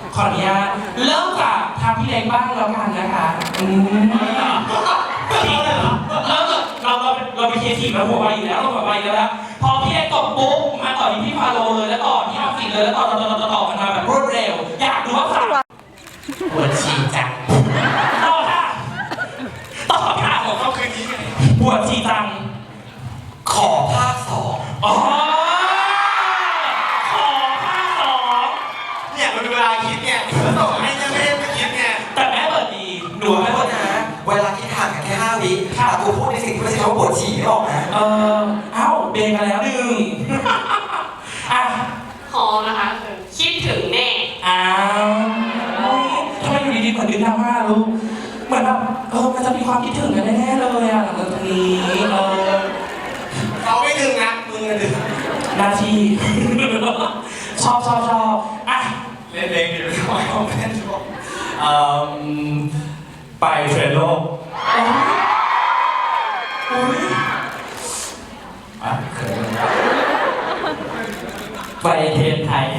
ขออนุญาตเริ่มจากทางพี่เล็กบ้างแล้วกันนะคะเราไปเคทีมาหัวไปอยู่แล้วเราหัวไปแล้วพอพี่เล็กตบปุ๊บมาต่อที่พี่ฟาโรเลยแล้วต่อที่ออฟฟิศเลยแล้วต่อกันมาแบบรวดเร็วอยากดูว่าใครปวดฉี่จังต่อค่ะของเขาคือนี้ปวดฉี่จังขอภาค2อ๋อขอภาค2 เนี่ยมันเป็นเวลาคิดไงต่อให้ยังไม่ได้ไปคิดไงแต่แม่เปิดดีหนูไม่ว่านะเวลาคิดห่างกันแค่5 วิแต่กูพูดในสิ่งที่ไม่ใช่คำว่าปวดฉี่ไม่ออกนะเอ้าเบรกมาแล้วอ่ะพอนะคะคิดถึงแน่ทำไมอยู่ดีๆเหมือนดึงดราม่าลูกเหมือนแบบมันจะมีความคิดถึงกันแน่ๆเลยอ่ะหลังจากนี้เขาไม่ดึงนะมึงดึงหน้าที่ชอบอ่ะเล่นๆอยู่ไม่ต้องเล่นไปเทรนโลกไปเทรนไทย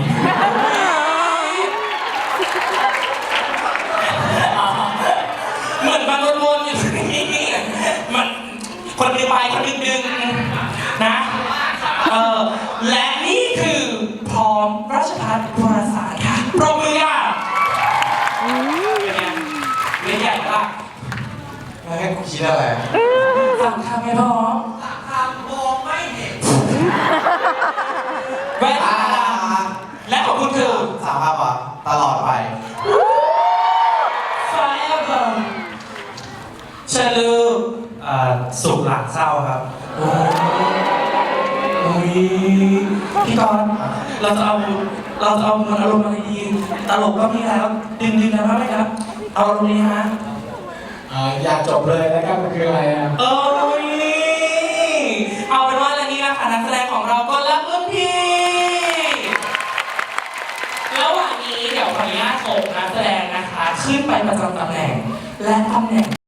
เหมือนมันวนๆอยู่นี่มันคนดึงไปคนดึงนะและนี่คือพร้อมราชภัฏวารสารค่ะปรบมือค่ะเล่นใหญ่ปะแล้วให้กูคิดอะไรสั่งคำไม่พอสั่งคำมองไม่เห็นแว่นและของคุณคือสามภาพอ่ะตลอดไป Forever เชลูสุขหลังเศร้าครับโอ้ยพี่กรณ์เราจะเอามันอารมณ์อะไรดีตลกก็มีแล้วดึงนะว่าไหมครับเอาอารมณ์นี้ฮะอยากจบเลยแล้วกันมันคืออะไรอ่ะเอาเป็นว่าและนี่นะคะนักแสดงของเราก็รับรุ่นพี่ระหว่างนี้เดี๋ยวขออนุญาตส่งนักแสดงนะคะขึ้นไปประจำตำแหน่งและตำแหน่ง